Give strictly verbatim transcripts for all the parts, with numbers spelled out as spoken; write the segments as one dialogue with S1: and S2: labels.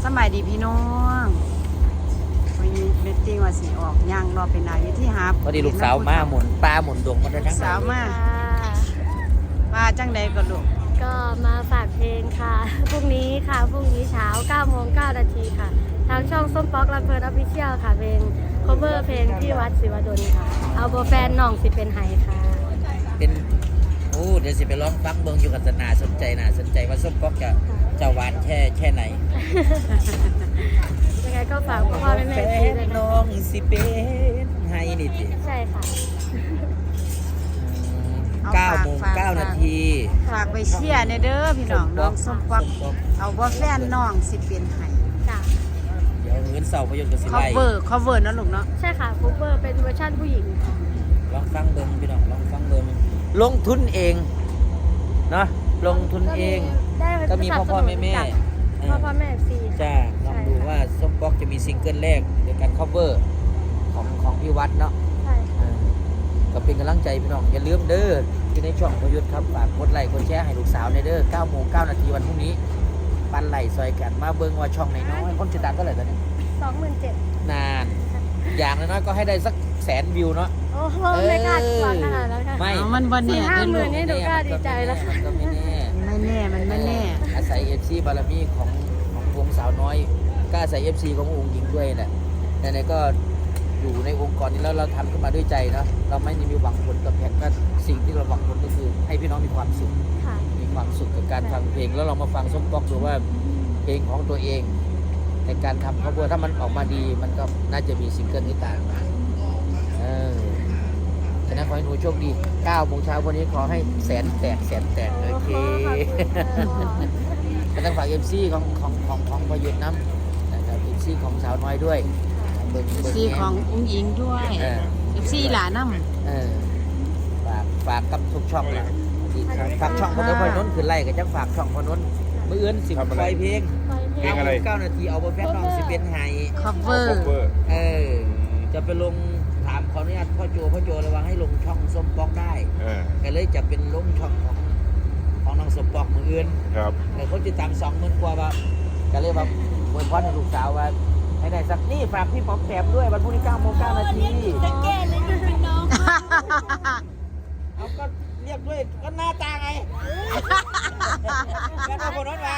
S1: มัยดีพี่น้องวันนี้เมตติ้งว่าสีออกย่างรอเป็นนายที่ฮับ
S2: พอดีลูกสาวมาหมุนปลาหมุนดวงมาได้ทั้ง
S1: สาวมามาจังใดก็ลูก
S3: ก็มาฝากเพลงค่ะพรุ่งนี้ค่ะพรุ่งนี้เช้าเก้าโมงเก้านาทีค่ะทางช่องส้มป๊อกลำเพลินออฟฟิเชียลค่ะเพลง cover เพลงพี่วัดศิวดลค่ะเอาโบแฟนน้องสิเป็นไห้ค่ะ
S2: เป็นโอ้เดี๋ยวสิไปร้องฟังเบิ่งอยู่กับสนาสนใจน่าสนใจว่าส้มป๊อกจะจะหวานแค่แค่ไหน
S3: ยังไงก็ฝากพ่อแม่แม่พี่ด้วย
S2: น้องสิเป็นไห้นี่สิ
S3: ใช่ค่ะ
S2: เก้าโมงเก้านาที
S1: ฝากไปเชียร์ในเด้อพี่น้องน้องส้มป๊อกเอาว่าแฟนน้องสิเป็นไห้
S3: จ้ะ
S2: เดี๋ยวเงินเสาพยนต์กับสิไล
S1: cover cover นะลูกเนาะ
S3: ใช่ค่ะ cover เป็นเวอร์ชันผู้หญิง
S2: ลองฟังเบิ่งพี่น้องลองฟังเบิ่งลงทุนเองเนาะลงทุนเองก็มีพ่อพ่อแม่แม่
S3: พ่อพ่อแม่ฟรี
S2: จ้าลองดูว่าส้มป๊อกจะมีซิงเกิลแรกในการ cover ของของพี่วัดเนาะ
S3: ใช่
S2: ก็เป็นกำลังใจพี่น้องอย่าลืมเด้อที่ในช่องพยุทธ์ครับฝากกดไลค์กดแชร์ให้ลูกสาวในเด้อเก้าโมงเก้านาทีวันพรุ่งนี้ปันไหลซอยกันมาเบิ่งว่าช่องไหนน้อยคนติดตามเท่าไหร่ตอนนี้
S3: สองหมื่นเจ็ดพัน
S2: นานอย่างน้อยก็ให้ได้สักแสนวิวเนาะ
S3: โอ้โหไม่กล้าหวังขนาดนั้นค่ะ
S2: ไม่
S1: มันวันนี้
S3: ห้าหมื่นนี่หนูกล้าดีใจแล้วค่ะ
S2: ก็ไม่แน่
S1: ไม่แน่มันไม่แน่
S2: อาศัย เอฟ ซี บารมีของของวงสาวน้อยก็อาศัย เอฟ ซี ขององค์หญิงด้วยแหละไหนๆก็อยู่ในองค์กรนี้แล้วเราทำขึ้นมาด้วยใจเนาะเราไม่ได้มีหวังผลกับแพงก็สิ่งที่เราหวังผลก็คือให้พี่น้องมีความสุขมีความสุขกับการฟังเพลงแล้วเรามาฟังส้มป๊อกดูว่าเพลงของตัวเองในการทำครอบครัวถ้ามันออกมาดีมันก็น่าจะมีซิงเกิลที่ต่างมาเออฉะนั้นขอให้หนูโชคดีเก้าโมงเช้าวันนี้ขอให้แสนแตกแสนแตกโอเคก็ต้องฝาก เอฟ ซี ของของของของพยุทธ์น้ำนะครับ เอฟ ซี ของสาวน้อยด้วย
S1: เอฟ ซี ของอุ้งอิงด้วย เอฟ ซี หลานน้ำ
S2: เออฝากฝากกับทุกช่องเลยฝากช่องพนนพนนคือไล่ก็จะฝากช่องพนนเมื่อเอื้อนสิบไฟเพลง
S4: เพลงอะไร
S2: เก้านาทีเอาแฟนน้องสิเป็นไห้
S1: cover
S2: เออจะไปลงถามขออนุญาตพ่อโจพ่อโจระวังให้ลงช่องส้มป๊อกได้ก็เลยจะเป็นลงช่องของของน้องส้มป๊อกมืออื่น
S4: ครับ
S2: แต่คนติดตามสองหมื่นกว่าแบบก็เลยแบบอวยพรให้ลูกสาวว่าให้ได้สักนี่ฝากพี่ป๊อปแถมด้วยวันพรุ่งนี้เก้าโมงเก้านาที
S3: จะแก้เลยนะพี่น้อง
S2: เอาก็เรียกด้วยก็หน้าตาไงกันเอาคนนั้นมา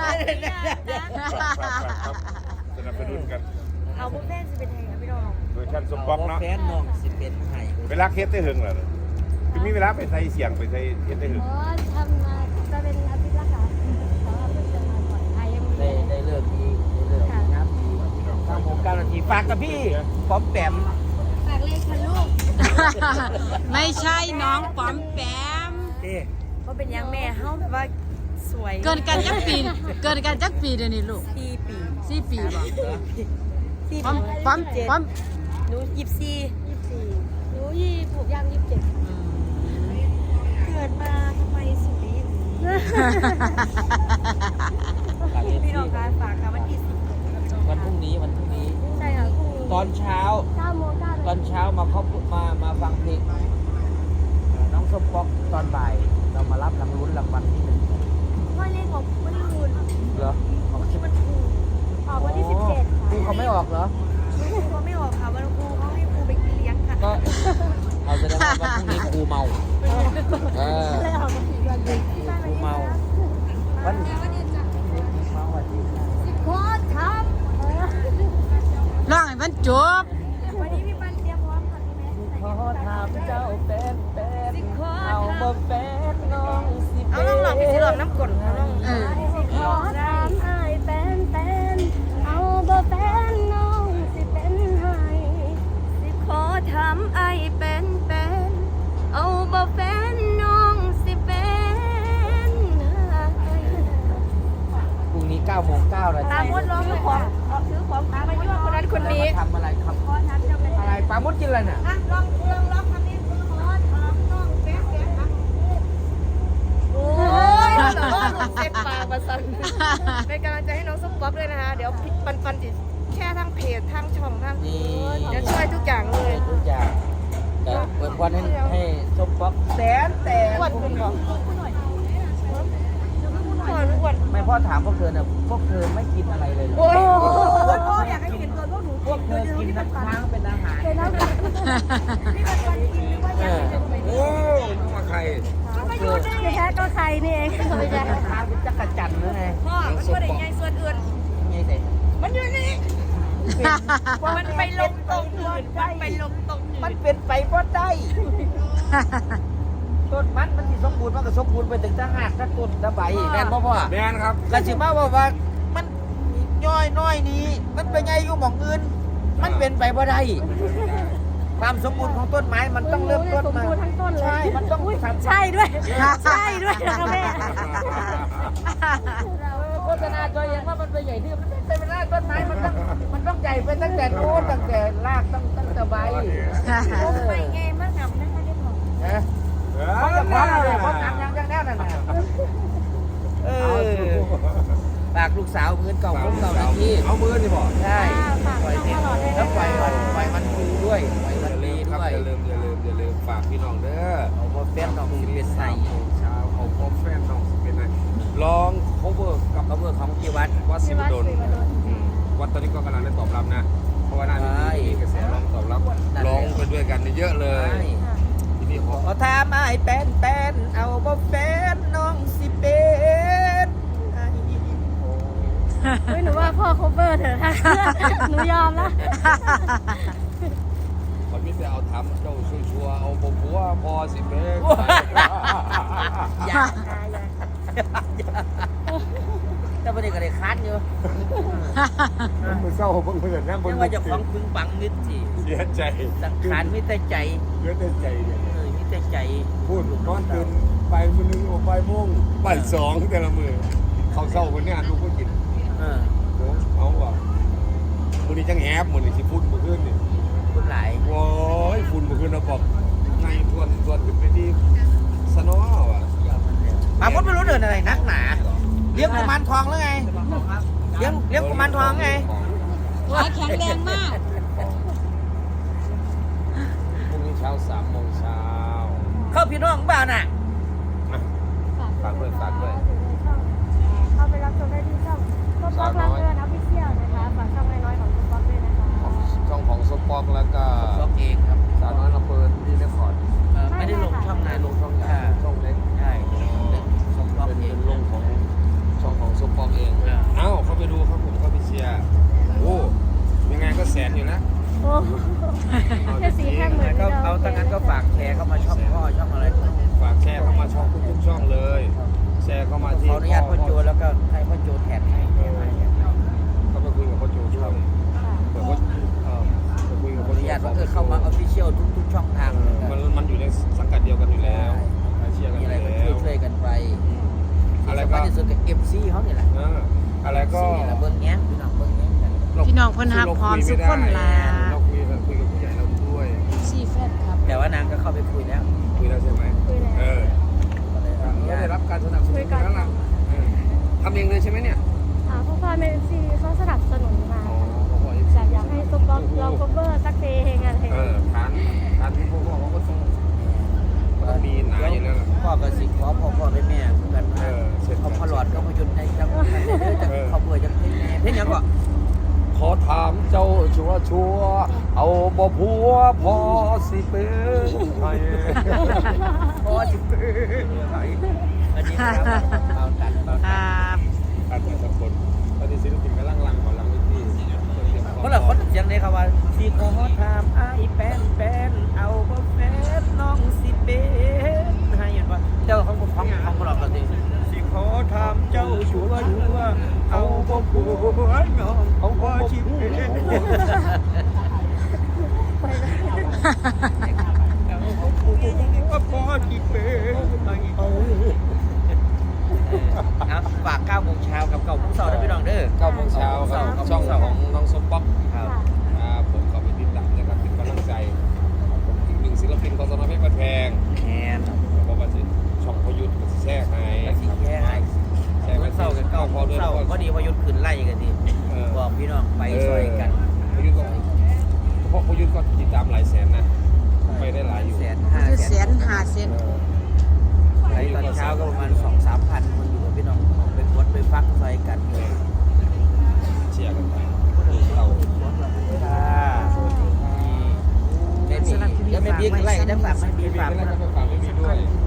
S4: สนับสนุนกัน
S3: เอาพวกแฟนสิเป็นไงครับพี่น้อง
S4: โดยท่านสมป๊อกเนาะ
S2: แฟนน้องสิเป็นไง
S4: เวลาเคสได้หึงเหรอพี่มีเวลาไปใส่เสียงไปใส่เคสได้หึง
S3: อ๋อทำมาจะเป็นอาทิตย์ละค่ะแต่ว่าเพิ่งจะมาบ่อยไทยยังมี
S2: ได้ได้เลิกดีได้เลิกงามดีเก้าโมงเก้านาทีฝากกับพี่พร้อมแปม
S3: ฝากเลขค่ะลูก
S1: ไม่ใช่น้องป๋อมแปม
S3: เขาเป็นยังแม่เฮาแบบว่าสวย
S1: เกินกันจักปีเกินกันจักปีเดี๋ยวนี้ลูก
S3: สี่ปี
S1: สี่ปีบ่
S3: ป๋อม
S1: ป๋อมป๋อม
S3: หนูยี่สิบสี่ยี่สิบสี่หนูยี่ถูกย่างยี่สิบเจ็ดเกิดมาทำไมสวยอย่างนี้พี่น้องคะฝากค่ะวันที่สิบ
S2: วันพรุ่งนี้วันพรุ่งนี้
S3: ใช่ค่ะพรุ่งนี้
S2: ตอนเช้า
S3: เก้าโมงเก้า
S2: ตอนเช้ามาเขามามาฟังเพลงน้องส้มป๊อกตอนบ่ายเรามารับรางวัลรางวัลที่หนึ่ง
S3: ว่าเลขของวันที่คุณ
S2: เหรอ
S3: ของที่มันถูกออกวันที่สิบเจ็ด
S2: ครูเขาไม่ออกเหรอ
S3: ครูเขาไม่ออกค่ะวันครูเขาให้ครูไปกินเลี้ยงค่ะ
S2: ก็เอาแสดงว่าวันพรุ่งนี้ครูเมาเออ
S3: เลยออกมาสี่วันเลย
S2: ครูเมาวันนี้เมาวันที่
S3: ขอท
S1: ร้องให้มันจบ
S3: วันนี้พี่ปันเตรียมพร้อมค่ะพี่แม่
S2: ขอถามเจ้าเป็นเป็นเอาบ่เป็นน้องสิ
S3: เอาลองหลอกพี่สิหลอกน้ำกลเอาลอง
S1: เออ
S3: ขอถามไอ้เป็นเป็นเอาบ่เป็นน้องสิเป็นไห้สิขอถามไอ้เป็นเป็นเอาบ่เป็นน้องสิเป็นไห้
S2: พรุ่งนี้เก้าโมงเก้านาที
S3: ปามุดร้องถือของถือของตามมายั่วคนนั้นคนนี้
S2: ทำอะไรครับอะไรปามุดกินอะไรเนี่ย
S3: ลองลองลองทำนี้ขอถามน้องเป็นเป็นครับโอ้ยแต่ว่าหลุดเซ็ตปากมาสั่นเป็นกำลังใจให้น้องส้มป๊อกด้วยนะคะเดี๋ยวปันปันจิแค่ทั้งเพจทั้งช่องทั้งเดี๋ยวช่วยทุกอย่างเลย
S2: ทุกอย่างแต่เปิดวันให้ให้ส้มป๊อกแสนแต่
S3: อ้วนคุณบอกอ้วนอ้วน
S2: ไม่พ่อถามพวกเธอเนี่ยพวกเธอไม่กินอะไรเลย
S3: โอ้
S2: กินน้ำค้างเป็นอาหาร
S3: เป็นแล้วนี่มันวันกินหรือว่ายังไม่เป็น
S4: โอ้นึกว่าใคร
S3: ไม่รู้ได้ไงแค่ก็ใครนี่เองไม่ใช่
S2: ค้างเป็นจักรจันทร์หรือไง
S3: พ่อมันไม่ได้ไงส่วนอื่น
S2: ไงใส่
S3: มันอยู่นี่มันไปลงตรงอื่นมันไปลงตรงอื่
S2: มัน
S3: น
S2: เป็นไปเพราะได้ต้นมันมันสิสมบูรณ์มันก็สมบูรณ์ไปถึงถ้าหากถ้าต้นถ้าใบแม่นบ่พ่อ
S4: แมนครับ
S2: กระสิมาว่าว่ามันย่อยน้อยนี้มันเป็นไงอยู่หม่องอื่นมันเป็นไปบ่ได้ความสมบูรณ์ของต้นไม้มันต้องเริ่มต้นมา
S3: สมบูรณ์ทั้งต้นเลย
S2: ใช่มันต้องทำ
S3: ใช่ด้วย ใช่ด้วยนะคะแม่
S2: โฆษณาจอยเห็นว่ามันเป็นใหญ่ที่มันไม่ใช่เป็นรากต้นไม้มันต้องมันต้องใหญ่ไปตั้งแต่โน้นตั้งแต่รากตั้งตั้งแต่ใบ
S3: ไม่ไงมากหนำนะคะได้บอก
S2: นะ
S4: เอ
S2: เขาจะพร้อมเลยพร้อม
S4: อ
S2: ทำยังยังแน่นอนนะเออฝากลูกสาวเงินเก่าผมเก่านาที
S4: เอามือนี่บอก
S2: ใช่ปล่อยเด็กแล้วปล่อยมันปล่อยมันดูด้วยปล่อย
S4: อ
S2: มัน
S4: ย่าลื
S2: ดี
S4: มครับ
S2: ด้วย
S4: อย่าลืมอย่าลืมอย่าลืมฝากพี่น้องเด้อ
S2: เอาพอเฟ้นดอกสิเป็นใส่
S4: เช้าเขาพบแฟนน้องสิเป็นไงลอง cover กับ
S2: เขาเบอร์ของกีวัด
S4: วัดสิบดลอืมวัดตอนนี้ก็กำลังได้ตอบรับนะ เพราะว่าน่าจะ
S2: ใช่
S4: มีกระแสร้องตอบรับร้องไปด้วยกันเยอะเลยที่นี่ขอ
S2: ขอถามไอ้แป้นแป้นเอาบ่แฟนน้องสิเป็นไอ้
S3: เฮ้ยหนูว่าพ่อ cover เถอะค่ะหนูยอมแล้ว
S4: คนมิแต่เอาทำเจ้าชัวร์ๆเอาบ่ผัวพอสิเป็น
S2: อย่าแต่ประเด็นก็เลยคัดอยู่
S4: มันมือเศร้าเพิ่งเพื่อนนะบน
S2: ยังว่าเจะของพึงปังนิดสิ
S4: เสียใจ
S2: สังขารมิแต่ใจ
S4: เยอะแต่ใจเนี่ย
S2: เออมิแต่ใจ
S4: พูดนอนตื่นไปมือนึงโอ้ไปโมงบ่ายสองแต่ละมือเขาเศร้าคนนี้ลูกก็กิน
S2: เออ
S4: โอ้เอาว่ะมือนี้จังแฮบมือนี้สิฝุ่นมือขึ้นนี่
S2: คุณหลาย
S4: โว้ยฝุ่นมือขึ้นเราบอกในทวนทวนขึ้นไปที่สนอว่ะ
S2: มาพ้นไม่รู้เดินอะไรนักหนาเลี้ยงกุมารทองหรือไงเลี้ยงเลี้ยงกุมารทองไง
S1: หัวแข็งแรงมาก
S4: พรุ่งนี้เช้าสามโมงเช้า
S2: เข้าพี่น้องบ้านน่ะ
S4: ฝากด้วยฝากด้วย
S3: เข้าไปรับชมได้ที่ช่องก็ป๊อกรักเกินออฟฟิเชียลนะคะฝากช่องน้อยๆของคุณป๊อกด้วยนะคะ
S4: ช่องของสปอกแล้วก็
S2: ล็อกเองครับ
S4: สาวน้อยลำเพลินที่เรคคอร์ด
S2: เออไม่ได้ลงช่องไหนลงช่องอ่า
S4: ช่องเล็ก
S2: ใช่ส่งล็อก
S4: เป็น
S2: เอ
S4: เป็
S2: ง
S4: นลงของช่องของสปอกเอง
S2: อ่า
S4: เอ้าเข้าไปดูครับผมเข้าไปเชียร์โอ้ยังไงก็แสนอยู่นะ
S3: โอ้แค่สี่แค่หมื่น
S2: ก็เอาตั้งนั้นก็ฝากแชร์เข้ามาช่องพ่อช่องอะไร
S4: ฝากแชร์เข้ามาช่องทุกๆช่องเลย แชร์เข้ามาที่
S2: ขออนุญาตพ่อโจแล้วก็ให้พ่อโจแทนให้แทนให้
S4: ก็ไปคุยกับพ่อโจช่องเปิดพ่อเอ่อไปคุยกับ
S2: ขอ
S4: พ่อ
S2: อนุญาตว่าเออเข้ามาออฟฟิเชียลทุกๆช่องทาง
S4: มันมันอยู่ในสังกัดเดียวกันอยู่แล้วเชียร์กัน
S2: มี
S4: อ
S2: อะไร
S4: ยู่
S2: ก็
S4: แล้ว
S2: ช่วยๆกันไป
S4: อะไร
S2: สำ
S4: ก็
S2: คัญที่สุดกับเอฟซีเขาเนี่ยแหละ
S4: เอออะไรก็
S2: ซีละเบิ้งแง้มพี่น้องเบิ้งแง้มกัน
S1: พี่น้องเพิ่นฮักพร้อมสุขคนล่ะ
S4: เราคุยกันคุยกับผู้ใหญ่เราด้วย
S1: ซีแฟนครับ
S2: แต่ว่านางก็เข้าไปคุยแล้ว
S4: คุยแล้วใช่ไหม
S3: คุยแล้ว
S4: เออ
S2: ก็เลยอนุ
S4: ก็
S2: ญา
S4: ได้
S2: ต
S4: รับการสนับสนุนแล้วล่ะเออทำเองเลยใช่ไหมเนี่ย
S3: อ่าพ่อพ่อเมนซีเขาสนับสนุนมา
S4: อ๋อเขาบอก
S3: แบบอยากให้ซุปป๊อกเรา cover สักเพลงอะไร
S4: เออทานทานที่พวกเขาก็ต้องก็มีหนาอยู่แล้วล่ะ
S2: พ่อกับสิขอพ่อพ่อแม่แม่เหมือนกัน
S4: เออเสร็จ
S2: เขาพอหลอดก็พยุนให้จังจังเขาเบื่อจังเพลงแม่เพลงยังก็
S4: ขอถามเจ้าชัวชัวเอาบ่ผัวพอสิเป็นไง
S2: พอจิเป็นไงอันนี้นะครับเอากันเอา
S1: ค
S2: กัน
S1: รับ
S4: อาจจะสักคนตอนนี้ศิลปินกำลังลังของลังวิธี
S2: เพราะเราคนเสียงในคำว่าสิขอถามไอ้แป้นแป้นเอาบ่แฟนน้องสิเป็นให้เห็นว่าเจ้าของผมของของเราก็สิสิขอถามเจ้าชัวชัวเอาบ่ผัวน้องเอาบ่สิเป็นว่าพอที่เป็นครับฝากเก้าโมงเช้ากับเก้าโมงเช้าด้วยพี่น้องเด้อ
S4: เก้าโมงเช้าครับช่องของน้องสมป๊อก
S2: ครับ
S4: ครับผมก็ไปติดตามนะครับเป็นกำลังใจผมอีกหนึ่งศิลปินของสนเพชรบ้านแพง
S2: แอน
S4: เพราะว่าจะช่องพยุทธ์ก็จะแทรกให้
S2: กระสีแค่ให้
S4: แทรก
S2: เมื่อเศร้ากับเก้า
S4: พอด้วย
S2: เศร้าพอดีพอยุดขึ้นไล่กันที
S4: เออ
S2: บอกพี่น้องไปซอยกัน
S4: พยุทธ์ก็เพราะพยุทธ์ก็ติดตามหลายแสนนะไปได้หลายอยู่
S2: แสนห้า
S1: คือ
S2: แส
S1: แส
S2: น
S1: นหาเซน
S2: ไล่ตอนเช้าก็ประมาณสองสามพันคนอยู่กับพี่น้องไปกดไปฟังซอยกันเลย
S4: เชียร์กันไป
S2: เราค่ะบิ๊กอะไรก็จะฝากให้
S4: บี
S2: บิ๊ก
S4: บี
S2: ฝาก
S4: ก็แล้วก็ฝากไม่มีด้วย